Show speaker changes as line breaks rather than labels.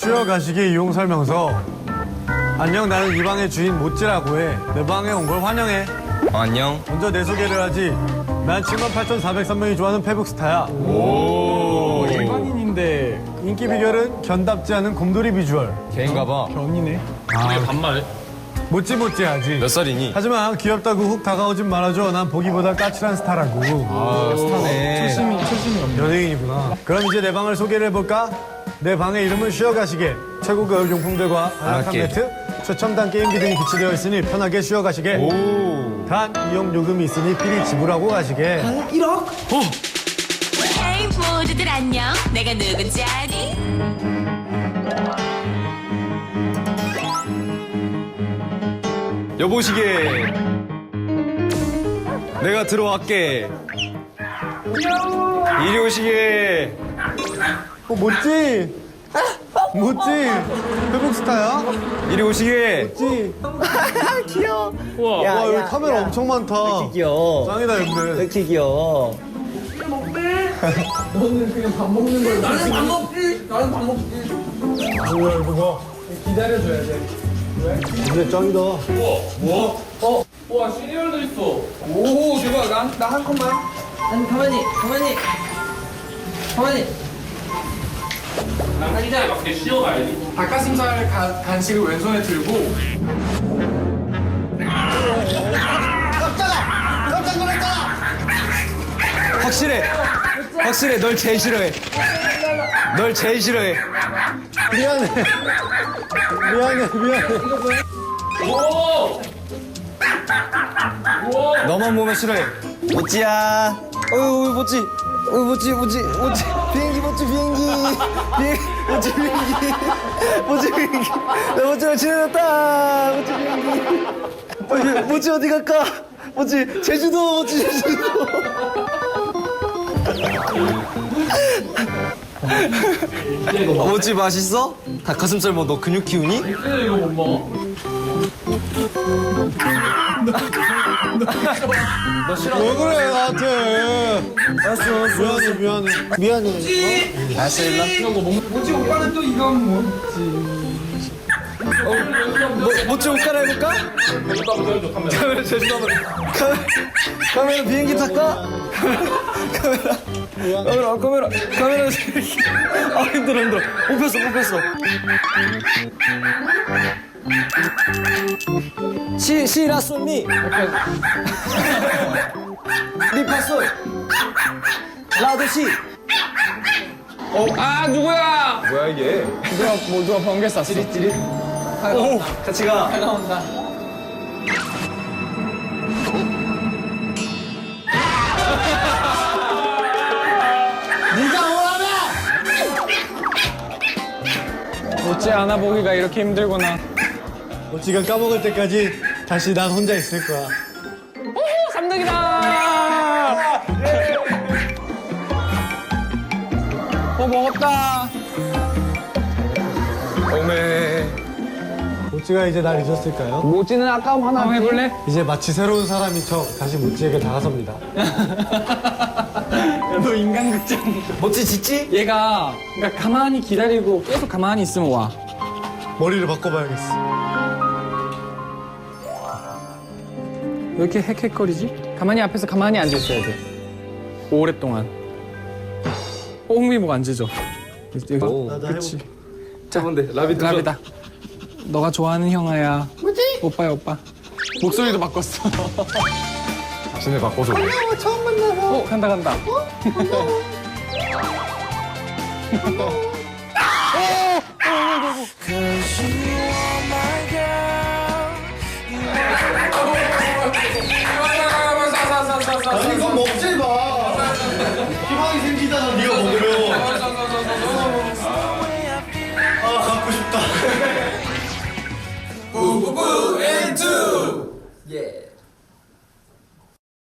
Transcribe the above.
쉬어가시기 이용 설명서. 안녕, 나는 이 방의 주인 모찌라고 해. 내 방에 온 걸 환영해.
안녕.
먼저 내 소개를 하지. 난 78,403명이 좋아하는 페북 스타야. 오, 일반인인데 인기 비결은 견답지 않은 곰돌이 비주얼.
걔인가 봐.
견이네.
왜 반말?
모찌모찌하지.
몇 살이니?
하지만 귀엽다고 훅 다가오진 말아줘. 난 보기보다 까칠한 스타라고.
스타네.
초심이 없네. 연예인이구나. 그럼 이제 내 방을 소개를 해볼까? 내 방의 이름은 쉬어가시게. 최고급 용품들과 안락한
알았게.
매트, 최첨단 게임기 등이 비치되어 있으니 편하게 쉬어가시게. 단 이용 요금이 있으니 필히 지불하고 가시게.
헤이 모두들 안녕. 내가 누군지 아니?
여보시게. 내가 들어왔게. 이리 오시게.
모찌! 모찌! 페북 스타야?
이리 오시게.
모찌!
우와.
와, 여기 카메라 엄청 많다.
귀여워.
짱이다,
왜
근데.
이렇게 귀여워?
근데 짱이다.
와 시리얼도 있어.
오 대박 나 한 컷만
아니 가만히
한자에 맞게 쉬어가야지.
닭가슴살 간식을 왼손에 들고
확실해. 확실해. 널 제일 싫어해. 널 제일 싫어해.
미안해. 미안해.
오!
너만 보면 싫어해. 모찌야. 어유 모찌. 모찌. 비행기 모찌 비행기. 모찌 비행기. 나 모찌랑 친해졌다. 모찌 비행기. 모찌 어디 갈까? 모찌 제주도. 모찌 맛있어? 닭가슴살 뭐 너 근육 키우니?
이거 못 먹어.
왜 그래, 나한테. 알았어. 미안해.
알았어 일로
뭐지 오빠는 또 이건 뭐지
모찌 옷 갈아입을까? 카메라 제주도 한번 카메라 비행기 탈까? 카메라 아 힘들어 뽑혔어 시라소니 리파솔 라도시
아 누구야
뭐야 이게
누가 번개 쐈어 찌릿
오 같이 가
나온다 어찌 안아보기가 이렇게 힘들구나
모찌가 까먹을 때까지 다시 난 혼자 있을 거야.
3등이다 먹었다
오메
모찌가 이제 날 잊었을까요?
모찌는 아까움 하나 한번 해볼래?
이제 마치 새로운 사람인 척 다시 모찌에게 다가섭니다.
너 인간극장
모찌 짖지?
얘가 그러니까 가만히 기다리고 계속 가만히 있으면 와
머리를 바꿔봐야겠어.
왜 이렇게 헥헥거리지? 가만히 앞에서 가만히 앉아있어야 돼 오랫동안 홍미목 앉으죠 여기
나도
그치
해볼게.
자 라비다 너가 좋아하는 형아야 뭐지? 오빠야 오빠 목소리도 바꿨어
진짜 바꿔줘
간다